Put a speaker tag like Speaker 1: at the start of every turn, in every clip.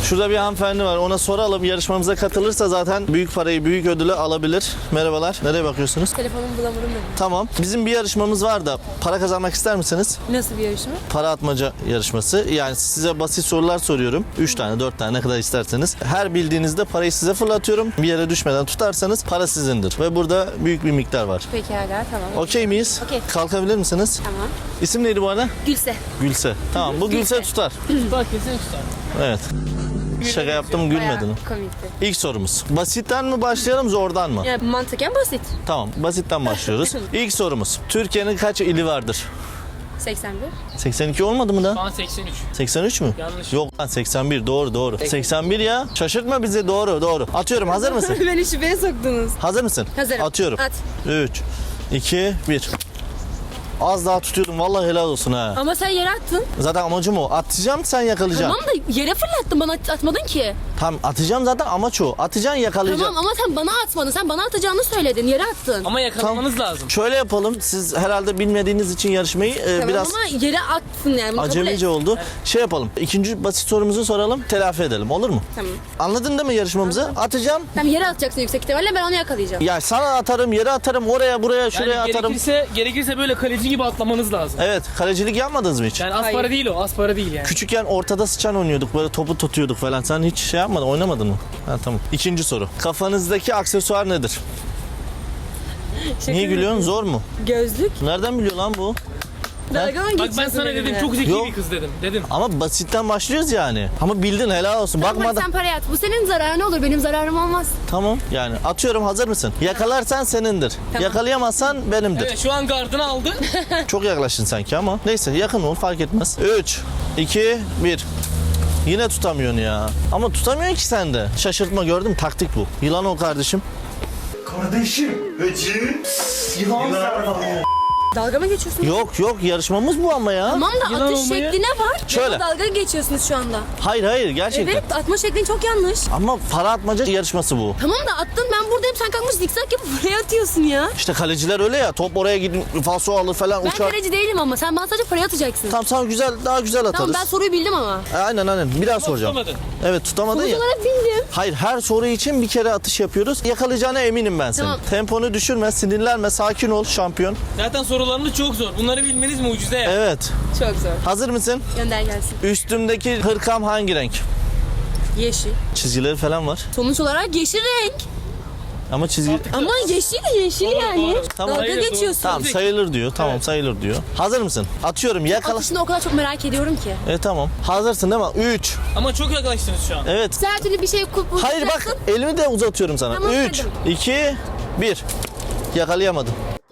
Speaker 1: Şurada bir hanımefendi var. Ona soralım. Yarışmamıza katılırsa zaten büyük parayı, büyük ödülü alabilir. Merhabalar. Nereye bakıyorsunuz?
Speaker 2: Telefonumu bulamadım dedim.
Speaker 1: Tamam. Bizim bir yarışmamız var da para kazanmak ister misiniz?
Speaker 2: Nasıl bir yarışma?
Speaker 1: Para atmaca yarışması. Yani size basit sorular soruyorum. 3 tane, 4 tane ne kadar isterseniz. Her bildiğinizde parayı size fırlatıyorum. Bir yere düşmeden tutarsanız para sizindir. Ve burada büyük bir miktar var.
Speaker 2: Pekala, tamam.
Speaker 1: Okey miyiz?
Speaker 2: Okey.
Speaker 1: Kalkabilir misiniz?
Speaker 2: Tamam.
Speaker 1: İsim neydi bu arada?
Speaker 2: Gülse.
Speaker 1: Gülse. Tamam, bu Gülse
Speaker 2: Gülse.
Speaker 1: tutar.
Speaker 3: Bak kesin tutar.
Speaker 1: Evet. Şaka yaptım,
Speaker 2: Bayağı
Speaker 1: gülmedin.
Speaker 2: komikti.
Speaker 1: İlk sorumuz. Basitten mi başlayalım, zordan mı?
Speaker 2: Yani mantıken basit.
Speaker 1: Tamam, basitten başlıyoruz. İlk sorumuz. Türkiye'nin kaç ili vardır?
Speaker 2: 81.
Speaker 1: 82 olmadı mı da?
Speaker 3: Şu an 83.
Speaker 1: 83 mü?
Speaker 3: Yanlış.
Speaker 1: Yok lan 81, doğru. 81 ya. Şaşırtma bizi, doğru. Atıyorum, hazır mısın?
Speaker 2: Beni şüpheye soktunuz.
Speaker 1: Hazır mısın?
Speaker 2: Hazırım.
Speaker 1: Atıyorum.
Speaker 2: At.
Speaker 1: 3, 2, 1. Az daha tutuyordum, vallahi helal olsun ha.
Speaker 2: Ama sen yere attın.
Speaker 1: Zaten amacım o. Atacağım, sen yakalayacaksın.
Speaker 2: Tamam da yere fırlattın, bana atmadın ki.
Speaker 1: Tamam, atacağım zaten, amaç o. Atacaksın, yakalayacaksın.
Speaker 2: Tamam ama sen bana atmadın. Sen bana atacağını söyledin. Yere attın.
Speaker 3: Ama yakalamanız lazım.
Speaker 1: Şöyle yapalım. Siz herhalde bilmediğiniz için yarışmayı
Speaker 2: Tamam
Speaker 1: biraz
Speaker 2: ama yere attın yani. Bunu kabul
Speaker 1: acemice
Speaker 2: et.
Speaker 1: oldu. Şey yapalım. İkinci basit sorumuzu soralım. Telafi edelim. Olur mu?
Speaker 2: Tamam.
Speaker 1: Anladın değil mi yarışmamızı? Atacağım.
Speaker 2: Tamam, yere atacaksın yüksek ihtimalle, ben onu yakalayacağım.
Speaker 1: Ya sana atarım, yere atarım, oraya, buraya, şuraya
Speaker 3: Yani
Speaker 1: atarım.
Speaker 3: gerekirse böyle kaleci gibi atlamanız lazım.
Speaker 1: Evet. Kalecilik yapmadınız mı hiç?
Speaker 3: Yani az
Speaker 2: Hayır.
Speaker 3: para değil o. Az para değil yani.
Speaker 1: Küçükken ortada sıçan oynuyorduk. Böyle topu tutuyorduk falan. Sen hiç şey yapmadın, oynamadın mı? Ha tamam. İkinci soru. Kafanızdaki aksesuar nedir? Niye gülüyorsun? Zor mu?
Speaker 2: Gözlük.
Speaker 1: Nereden biliyor lan bu?
Speaker 2: Dalga mı
Speaker 3: Bak ben
Speaker 2: geçiyorsun
Speaker 3: sana dedim
Speaker 2: benimle?
Speaker 3: çok zeki
Speaker 1: Yok.
Speaker 3: bir kız dedim.
Speaker 1: Ama basitten başlıyoruz yani. Ama bildin, helal olsun.
Speaker 2: Tamam,
Speaker 1: Bakmadan.
Speaker 2: sen parayı at. Bu senin zararın olur. Benim zararım olmaz.
Speaker 1: Tamam. Yani atıyorum, hazır mısın? Yakalarsan senindir.
Speaker 2: Tamam.
Speaker 1: Yakalayamazsan benimdir.
Speaker 3: Evet şu an gardını aldı.
Speaker 1: Çok yaklaştın sanki ama. Neyse, yakın ol, fark etmez. 3, 2, 1. Yine tutamıyorsun ya. Ama tutamıyorsun ki sen de. Şaşırtma, gördün mü? Taktik bu. Yılan ol kardeşim.
Speaker 4: Kardeşim. Hacı. Yılan
Speaker 2: Dalga mı geçiyorsun?
Speaker 1: Yok, yarışmamız bu ama ya.
Speaker 2: Tamam da
Speaker 3: Yılan
Speaker 2: atış
Speaker 3: olmayı-
Speaker 2: şekli ne var?
Speaker 1: Şöyle.
Speaker 2: Ya dalga geçiyorsunuz şu anda.
Speaker 1: Hayır, gerçekten.
Speaker 2: Evet, atma şeklin çok yanlış.
Speaker 1: Ama para atmaca yarışması bu.
Speaker 2: Tamam da attın, ben buradayım, sen kalkmış zikzak yapıp buraya atıyorsun ya.
Speaker 1: İşte kaleciler öyle ya. Top oraya gidin, falso alır falan,
Speaker 2: Ben
Speaker 1: uçar.
Speaker 2: kaleci değilim ama sen bana sadece parayı atacaksın.
Speaker 1: Tamam, sana güzel, daha güzel atarız.
Speaker 2: Tamam, ben soruyu bildim ama.
Speaker 1: Aynen. Bir daha soracağım.
Speaker 3: Tutamadın.
Speaker 1: Evet, tutamadın
Speaker 2: Sonuç
Speaker 1: ya.
Speaker 2: olarak bildim.
Speaker 1: Hayır, her soru için bir kere atış yapıyoruz. Yakalayacağına eminim ben senin.
Speaker 2: Tamam.
Speaker 1: Temponu düşürme, sinirlenme, sakin ol şampiyon.
Speaker 3: Zaten sorularınız çok zor. Bunları bilmeniz mucize ya.
Speaker 1: Evet.
Speaker 2: Çok zor.
Speaker 1: Hazır mısın?
Speaker 2: Gönder gelsin.
Speaker 1: Üstümdeki hırkam hangi renk?
Speaker 2: Yeşil.
Speaker 1: Çizgileri falan var.
Speaker 2: Sonuç olarak yeşil renk.
Speaker 1: Ama çizgi...
Speaker 2: Ama yeşil yani.
Speaker 3: doğru.
Speaker 1: Tamam.
Speaker 2: Dalga
Speaker 3: Hayır, doğru.
Speaker 2: geçiyorsun.
Speaker 1: Tamam, sayılır diyor. Tamam,
Speaker 3: Evet.
Speaker 1: sayılır diyor. Hazır mısın? Atıyorum, yakala.
Speaker 2: Atışını o kadar çok merak ediyorum ki.
Speaker 1: Tamam. Hazırsın değil mi? 3.
Speaker 3: Ama çok yaklaştınız şu an.
Speaker 1: Evet.
Speaker 2: Sen her türlü bir şey
Speaker 1: Hayır bak, elimi de uzatıyorum sana.
Speaker 2: Tamam,
Speaker 1: 3,
Speaker 2: dedim.
Speaker 1: 2, 1. Yakalayamadım.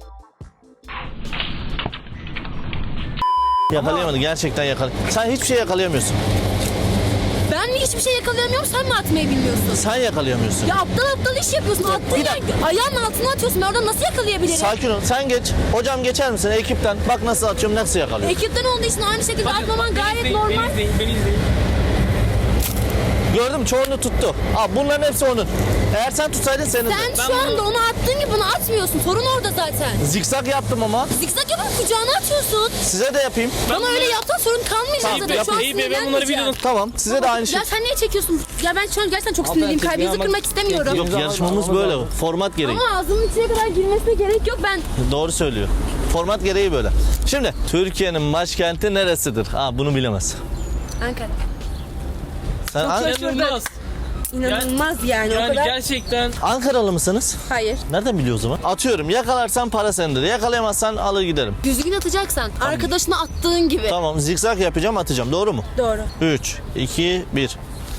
Speaker 1: Yakalayamadı, gerçekten yakalayamadı. Sen hiçbir şey yakalayamıyorsun.
Speaker 2: Ben mi hiçbir şey yakalayamıyorum, sen mi atmayı bilmiyorsun?
Speaker 1: Sen yakalayamıyorsun.
Speaker 2: Ya aptal iş yapıyorsun. Attın
Speaker 1: Bir
Speaker 2: ya,
Speaker 1: dakika.
Speaker 2: ayağının altına atıyorsun. Ben oradan nasıl yakalayabilirim?
Speaker 1: Sakin ol. Sen geç. Hocam geçer misin ekipten? Bak nasıl atıyorum, nasıl yakalıyorum.
Speaker 2: Ekipten olduğu için aynı şekilde atmaman
Speaker 3: beni
Speaker 2: gayet
Speaker 3: izleyin,
Speaker 2: normal.
Speaker 3: Beni izleyin.
Speaker 1: Gördün mü? Çoğunu tuttu. Bunların hepsi onun. Eğer sen tutsaydın senin de.
Speaker 2: Sen şu anda onu attığın gibi bunu atmıyorsun. Sorun orada zaten.
Speaker 1: Zikzak yaptım ama.
Speaker 2: Zikzak yapıp kucağına atıyorsun.
Speaker 1: Size de yapayım.
Speaker 2: Bana öyle yapsan sorun kalmayacak
Speaker 1: Tamam,
Speaker 2: zaten. Şu an
Speaker 3: İyi be, ben bunları
Speaker 2: sinirlenmeyeceğim.
Speaker 3: biliyorum.
Speaker 1: Tamam. Size de aynı şey.
Speaker 2: Ya sen niye çekiyorsun? Ya ben şu an gerçekten çok sinirliyim.
Speaker 3: çekiyor
Speaker 2: Kalbinizi
Speaker 3: ama-
Speaker 2: kırmak istemiyorum.
Speaker 1: Yok, yarışmamız böyle. Format gereği.
Speaker 2: Ama ağzının içine kadar girmesine gerek yok. Ben
Speaker 1: Doğru söylüyor. Format gereği böyle. Şimdi Türkiye'nin başkenti neresidir? Bunu bilemez.
Speaker 2: Ankara.
Speaker 1: Sen
Speaker 3: İnanılmaz.
Speaker 2: İnanılmaz yani. O
Speaker 3: Yani
Speaker 2: kadar.
Speaker 3: gerçekten
Speaker 1: Ankaralı mısınız?
Speaker 2: Hayır.
Speaker 1: Nereden biliyor o zaman? Atıyorum, yakalarsan para sendedir. Yakalayamazsan alır giderim.
Speaker 2: Düzgün atacaksan. Arkadaşına attığın gibi.
Speaker 1: Tamam, zikzak yapacağım, atacağım. Doğru mu?
Speaker 2: Doğru.
Speaker 1: 3, 2, 1.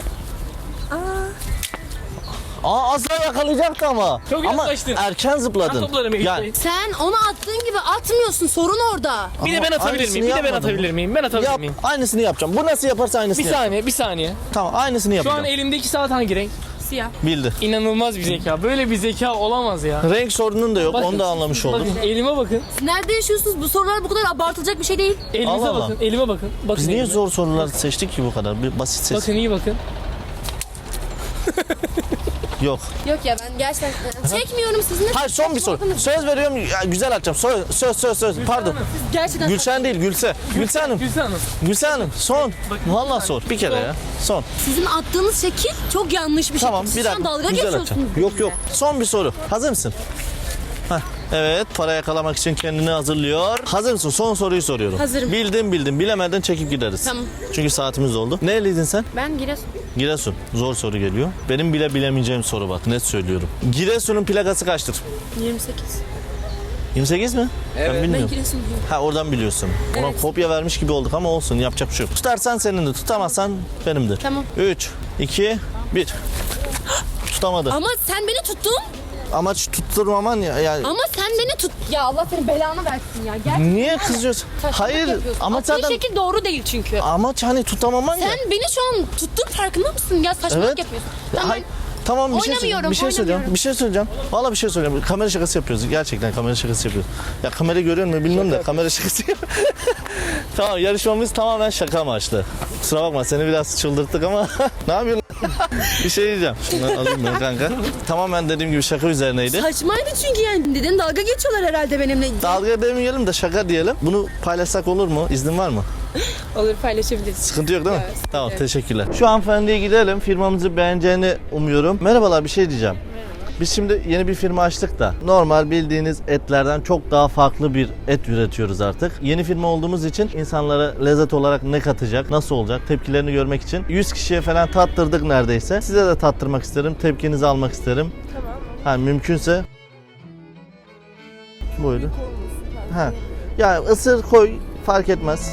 Speaker 1: Az daha yakalayacaktı ama.
Speaker 3: Çok
Speaker 1: ama
Speaker 3: yaklaştın.
Speaker 1: erken zıpladın.
Speaker 3: Ben toplarım
Speaker 1: Yani,
Speaker 2: Sen onu attığın gibi atmıyorsun. Sorun orada.
Speaker 3: bir de ben
Speaker 1: Ama
Speaker 3: atabilir
Speaker 1: aynısını
Speaker 3: miyim? Bir de ben
Speaker 1: yapmadım.
Speaker 3: atabilir miyim? Ben atabilir
Speaker 1: yap,
Speaker 3: miyim?
Speaker 1: aynısını yapacağım. Bu nasıl yaparsa aynısını
Speaker 3: Bir
Speaker 1: yap.
Speaker 3: saniye, bir saniye.
Speaker 1: Tamam, aynısını
Speaker 3: Şu
Speaker 1: yapacağım.
Speaker 3: an elimdeki saat hangi renk?
Speaker 2: Siyah.
Speaker 1: Bildi.
Speaker 3: İnanılmaz bir zeka. Böyle bir zeka olamaz ya.
Speaker 1: Renk sorunun da yok.
Speaker 3: Bakın,
Speaker 1: Onu da anlamış olduk.
Speaker 3: Bakın elime bakın.
Speaker 2: Siz nerede yaşıyorsunuz? Bu sorular bu kadar abartılacak bir şey değil.
Speaker 3: Elinize
Speaker 1: Allah Allah.
Speaker 3: bakın. Elime bakın. Bakın
Speaker 1: Biz niye
Speaker 3: elime.
Speaker 1: zor sorular seçtik ki bu kadar? Bir basit seç.
Speaker 3: Bakın iyi bakın.
Speaker 1: Yok.
Speaker 2: Yok ya ben gerçekten çekmiyorum sizinle.
Speaker 1: Hayır son bir soru. Söz veriyorum ya, güzel atacağım. Söz. Pardon.
Speaker 2: Gerçekten
Speaker 1: Gülşen değil Gülse. Gülse Hanım.
Speaker 3: Gülsen Hanım.
Speaker 1: Gülse Hanım son. Vallahi sor. Bir kere ya. Son.
Speaker 2: sizin attığınız şekil çok yanlış bir
Speaker 1: Tamam
Speaker 2: şekil.
Speaker 1: bir
Speaker 2: Siz şu an
Speaker 1: dakika.
Speaker 2: dalga
Speaker 1: Güzel
Speaker 2: geçiyorsunuz.
Speaker 1: atacağım. Yok. Son bir soru. Hazır mısın? Heh. Evet, para yakalamak için kendini hazırlıyor. Hazır mısın? Son soruyu soruyorum.
Speaker 2: Hazırım.
Speaker 1: Bildin. Bilemeden çekip gideriz.
Speaker 2: Tamam.
Speaker 1: Çünkü saatimiz doldu. Nereliydin sen?
Speaker 2: Ben Giresun.
Speaker 1: Giresun. Zor soru geliyor. Benim bile bilemeyeceğim soru bak. Net söylüyorum. Giresun'un plakası kaçtır?
Speaker 2: 28.
Speaker 1: 28 mi? Ben
Speaker 2: Ben
Speaker 1: bilmiyorum.
Speaker 2: Giresunluyum.
Speaker 1: Ha oradan biliyorsun. Ona
Speaker 2: Evet.
Speaker 1: kopya vermiş gibi olduk ama olsun. Yapacak bir şey yok. Tutarsan senindir. Tutamazsan benimdir.
Speaker 2: Tamam.
Speaker 1: 3, 2, 1. Tutamadı.
Speaker 2: Ama sen beni tuttun.
Speaker 1: Amaç tutturmaman ya. Yani
Speaker 2: Ama sen beni tut. Ya Allah senin belanı versin ya. Gerçekten
Speaker 1: niye kızıyorsun?
Speaker 2: saçmalık
Speaker 1: Hayır.
Speaker 2: yapıyorsun.
Speaker 1: Amaç
Speaker 2: Attığın
Speaker 1: zaten
Speaker 2: şekil doğru değil çünkü.
Speaker 1: amaç hani tutamaman ya.
Speaker 2: Sen beni şu an tuttun farkında mısın? Ya saçmalık
Speaker 1: Evet.
Speaker 2: yapıyorsun. Tamam.
Speaker 1: Hay- Tamam bir şey
Speaker 2: Oynamıyorum,
Speaker 1: söyleyeceğim. Bir şey söyleyeceğim.
Speaker 2: oynamıyorum.
Speaker 1: Bir şey söyleyeceğim. Vallahi bir şey söyleyeceğim. Kamera şakası yapıyoruz. Gerçekten kamera şakası yapıyoruz. Ya kamerayı görüyor musun bilmiyorum da kamera şakası yapıyoruz. Tamam yarışmamız tamamen şaka amaçlı. Kusura bakma seni biraz çıldırttık ama ne yapıyorsun? Bir şey diyeceğim. Şunları alayım ben kanka. Tamamen dediğim gibi şaka üzerineydi.
Speaker 2: Saçmaydı çünkü yani. Neden dalga geçiyorlar herhalde benimle.
Speaker 1: Dalga demeyelim de şaka diyelim. Bunu paylaşsak olur mu? İznin var mı?
Speaker 2: Olur paylaşabiliriz.
Speaker 1: Sıkıntı yok değil mi?
Speaker 2: Evet,
Speaker 1: Tamam
Speaker 2: evet.
Speaker 1: teşekkürler. Şu hanımefendiye gidelim. Firmamızı beğeneceğini umuyorum. Merhabalar bir şey diyeceğim. Biz şimdi yeni bir firma açtık da normal bildiğiniz etlerden çok daha farklı bir et üretiyoruz artık. Yeni firma olduğumuz için insanlara lezzet olarak ne katacak, nasıl olacak tepkilerini görmek için 100 kişiye falan tattırdık neredeyse. Size de tattırmak isterim, tepkinizi almak isterim.
Speaker 5: Tamam.
Speaker 1: Ha mümkünse. Buyurun. Ha. Ya ısır koy fark etmez.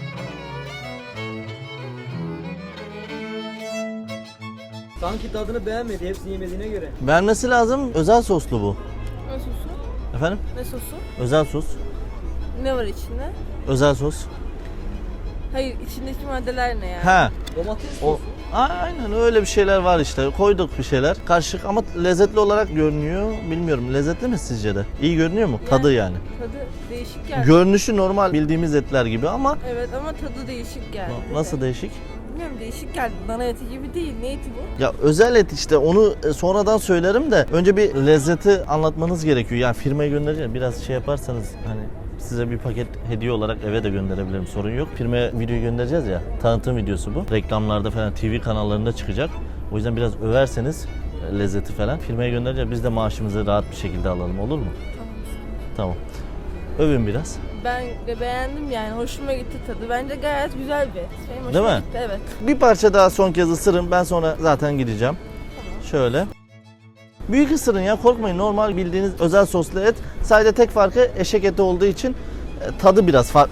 Speaker 6: Sanki tadını beğenmedi hepsini yemediğine göre.
Speaker 1: Beğenmesi lazım. Özel soslu bu.
Speaker 5: Ne sosu?
Speaker 1: Efendim?
Speaker 5: Ne sosu?
Speaker 1: Özel sos.
Speaker 5: Ne var içinde?
Speaker 1: Özel sos.
Speaker 5: Hayır içindeki maddeler ne yani?
Speaker 1: Ha.
Speaker 6: Domates
Speaker 1: O aynen öyle bir şeyler var işte. Koyduk bir şeyler. Karışık ama lezzetli olarak görünüyor. Bilmiyorum. Lezzetli mi sizce de? İyi görünüyor mu? Tadı yani.
Speaker 5: Tadı değişik geldi.
Speaker 1: Görünüşü normal bildiğimiz etler gibi ama
Speaker 5: Evet ama tadı değişik geldi.
Speaker 1: nasıl değişik?
Speaker 5: Bilmiyorum değişik geldi. Dana eti gibi değil. Ne eti bu?
Speaker 1: Ya özel et işte onu sonradan söylerim de önce bir lezzeti anlatmanız gerekiyor. Yani firmaya göndereceğim. Biraz şey yaparsanız hani size bir paket hediye olarak eve de gönderebilirim. Sorun yok. Firmaya video göndereceğiz ya. Tanıtım videosu bu. Reklamlarda falan TV kanallarında çıkacak. O yüzden biraz överseniz lezzeti falan firmaya göndereceğiz. Biz de maaşımızı rahat bir şekilde alalım. Olur mu? Tamam. Övün biraz.
Speaker 5: Ben de beğendim yani. Hoşuma gitti tadı. Bence gayet güzel bir et. Benim hoşuma
Speaker 1: Değil mi?
Speaker 5: gitti. Evet.
Speaker 1: Bir parça daha son kez ısırın. Ben sonra zaten gideceğim. Şöyle. Büyük ısırın ya korkmayın. Normal bildiğiniz özel soslu et. Sadece tek farkı eşek eti olduğu için tadı biraz farklı.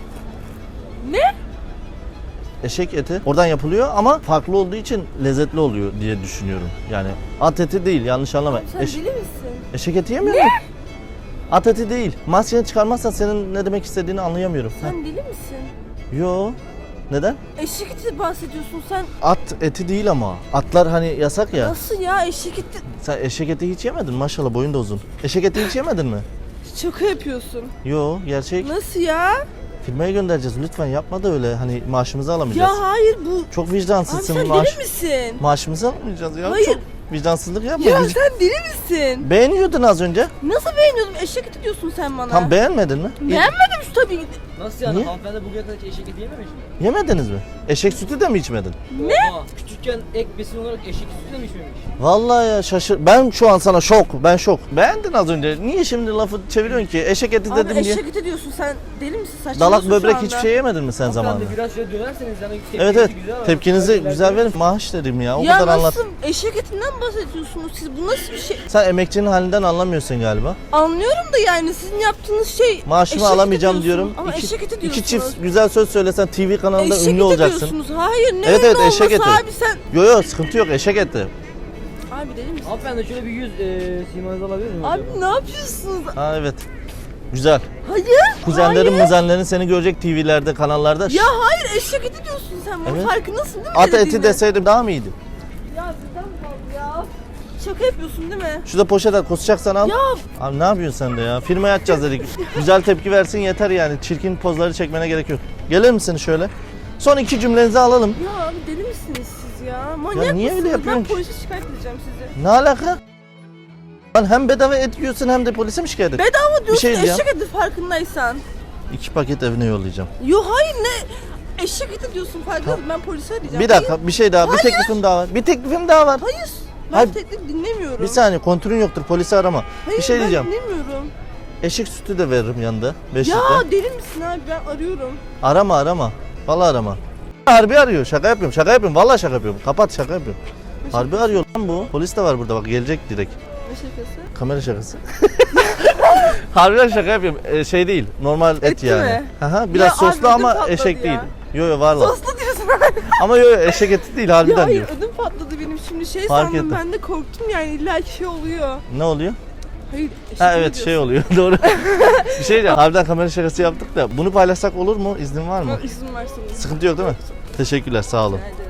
Speaker 5: Ne?
Speaker 1: Eşek eti oradan yapılıyor ama farklı olduğu için lezzetli oluyor diye düşünüyorum. Yani at eti değil yanlış anlama.
Speaker 5: Sen deli misin?
Speaker 1: Eşek eti yemiyor musun? At eti değil. Maskeni çıkarmazsan senin ne demek istediğini anlayamıyorum.
Speaker 5: Sen deli misin?
Speaker 1: Yo. Neden?
Speaker 5: Eşek eti bahsediyorsun sen.
Speaker 1: At eti değil ama. Atlar hani yasak ya.
Speaker 5: Nasıl ya eşek eti?
Speaker 1: Sen eşek eti hiç yemedin maşallah boyun da uzun. Eşek eti hiç yemedin mi?
Speaker 5: Şaka yapıyorsun.
Speaker 1: Yo gerçek.
Speaker 5: Nasıl ya?
Speaker 1: Firmaya göndereceğiz lütfen yapma da öyle hani maaşımızı alamayacağız.
Speaker 5: Ya hayır bu...
Speaker 1: Çok
Speaker 5: Abi
Speaker 1: vicdansızsın
Speaker 5: sen
Speaker 1: maaş.
Speaker 5: deli misin?
Speaker 1: Maaşımızı alamayacağız ya.
Speaker 5: Hayır.
Speaker 1: Çok vicdansızlık yapma.
Speaker 5: Ya sen deli misin?
Speaker 1: Beğeniyordun az önce.
Speaker 5: Nasıl beğeniyordum? Eşek eti diyorsun sen bana.
Speaker 1: Tam beğenmedin mi?
Speaker 5: Beğenmedim şu tabii.
Speaker 6: Nasıl yani?
Speaker 1: Niye?
Speaker 6: Hanımefendi bugüne kadar hiç eşek eti yememiş mi?
Speaker 1: Yemediniz mi? Eşek sütü de mi içmedin?
Speaker 6: Ne? Küçükken ek besin olarak eşek sütü de mi içmemiş?
Speaker 1: Vallahi ya şaşır. Ben şu an sana şok. Ben şok. Beğendin az önce. Niye şimdi lafı çeviriyorsun ki? Eşek eti
Speaker 5: Abi
Speaker 1: dedim diye.
Speaker 5: eşek eti diyorsun sen deli misin?
Speaker 1: Dalak
Speaker 5: Saçmalıyorsun
Speaker 1: böbrek
Speaker 5: şu anda.
Speaker 1: hiçbir şey yemedin mi sen zamanında?
Speaker 6: Hanımefendi biraz şöyle dönerseniz yani
Speaker 1: Evet evet.
Speaker 6: güzel ama
Speaker 1: Tepkinizi
Speaker 6: öyle
Speaker 1: güzel
Speaker 6: ilerleyin.
Speaker 1: verin. Maaş dedim ya. O
Speaker 5: Ya
Speaker 1: kadar anlat.
Speaker 5: nasıl eşek etinden bahsediyorsunuz siz? Bu nasıl bir şey?
Speaker 1: Sen emekçinin halinden anlamıyorsun galiba.
Speaker 5: Anlıyorum da yani sizin yaptığınız şey
Speaker 1: Maaşımı
Speaker 5: eşek eti
Speaker 1: alamayacağım
Speaker 5: diyorsun.
Speaker 1: diyorum.
Speaker 5: Ama eşek eti diyorsunuz.
Speaker 1: İki çift güzel söz söylesen TV kanalında
Speaker 5: eşek
Speaker 1: ünlü
Speaker 5: eti
Speaker 1: olacaksın.
Speaker 5: diyorsunuz. Hayır ne
Speaker 1: Evet,
Speaker 5: ünlü
Speaker 1: evet,
Speaker 5: olması
Speaker 1: eşek eti.
Speaker 5: abi sen.
Speaker 1: Yo yo sıkıntı yok eşek eti.
Speaker 5: Abi deli misin?
Speaker 6: Hanımefendi şöyle bir yüz simanızı alabilir miyim?
Speaker 5: Abi
Speaker 6: acaba?
Speaker 5: ne yapıyorsunuz?
Speaker 1: Ha evet. Güzel.
Speaker 5: Hayır.
Speaker 1: Kuzenlerin
Speaker 5: hayır.
Speaker 1: muzenlerin seni görecek TV'lerde kanallarda.
Speaker 5: Ya hayır eşek eti diyorsun sen. Bunun
Speaker 1: Evet.
Speaker 5: farkındasın değil mi?
Speaker 1: At eti
Speaker 5: dediğinin?
Speaker 1: deseydim daha mı iyiydi?
Speaker 5: Ya bizden mi kaldı ya? Şaka yapıyorsun değil mi?
Speaker 1: Şurada poşet at kusacaksan al.
Speaker 5: Ya
Speaker 1: Abi ne yapıyorsun sen de ya? Firmaya atacağız dedik. Güzel tepki versin yeter yani. Çirkin pozları çekmene gerek yok. Gelir misin şöyle? Son iki cümlenizi alalım.
Speaker 5: ya abi deli misiniz siz ya? Manyak
Speaker 1: niye öyle
Speaker 5: mısınız?
Speaker 1: yapıyorsun
Speaker 5: Ben
Speaker 1: ki?
Speaker 5: polise şikayet edeceğim sizi.
Speaker 1: Ne alaka? Lan hem bedava et yiyorsun hem de polise mi şikayet et?
Speaker 5: Bedava diyorsun,
Speaker 1: şey diyeceğim.
Speaker 5: eşek eti farkındaysan.
Speaker 1: 2 paket evine yollayacağım.
Speaker 5: Yo hayır ne? Eşek eti diyorsun farkındaysan, ben polise arayacağım.
Speaker 1: Bir dakika bir şey daha. Bir teklifim daha var. Bir teklifim daha var.
Speaker 5: Hayır. Ben
Speaker 1: Hayır.
Speaker 5: teklif dinlemiyorum.
Speaker 1: Bir saniye kontürün yoktur polisi arama.
Speaker 5: Hayır,
Speaker 1: bir şey diyeceğim.
Speaker 5: Ben dinlemiyorum.
Speaker 1: Eşek sütü de veririm yanında. 5
Speaker 5: Ya
Speaker 1: litre.
Speaker 5: deli misin abi, ben arıyorum.
Speaker 1: Arama. Vallahi arama. Harbi arıyor. Şaka yapıyorum. Vallahi şaka yapıyorum. Kapat şaka yapıyorum. Harbi arıyor lan bu. Polis de var burada bak gelecek direkt.
Speaker 5: Ne şakası?
Speaker 1: Kamera şakası. Harbiden şaka yapıyorum. Şey değil. Normal et
Speaker 5: Etli
Speaker 1: yani.
Speaker 5: mi?
Speaker 1: Aha, biraz
Speaker 5: Ya
Speaker 1: soslu
Speaker 5: abi,
Speaker 1: ama
Speaker 5: ödüm patladı
Speaker 1: eşek
Speaker 5: ya.
Speaker 1: değil. Yo valla.
Speaker 5: Soslu diyorsun abi.
Speaker 1: Ama yo eşek eti değil
Speaker 5: Ya
Speaker 1: harbiden
Speaker 5: hayır,
Speaker 1: diyor.
Speaker 5: ödüm patladı benim şimdi, şey
Speaker 1: Fark
Speaker 5: sandım
Speaker 1: ettim.
Speaker 5: ben de korktum yani, illa ki şey oluyor.
Speaker 1: Ne oluyor?
Speaker 5: Hayır, eşek
Speaker 1: Ha
Speaker 5: mi
Speaker 1: evet
Speaker 5: diyorsun?
Speaker 1: şey oluyor doğru. Bir şey diyeceğim. Harbiden kamera şakası yaptık da bunu paylaşsak olur mu? İznin var mı?
Speaker 5: İzin versin.
Speaker 1: Sıkıntı yok değil mi? Teşekkürler sağ olun.
Speaker 5: Rica ederim.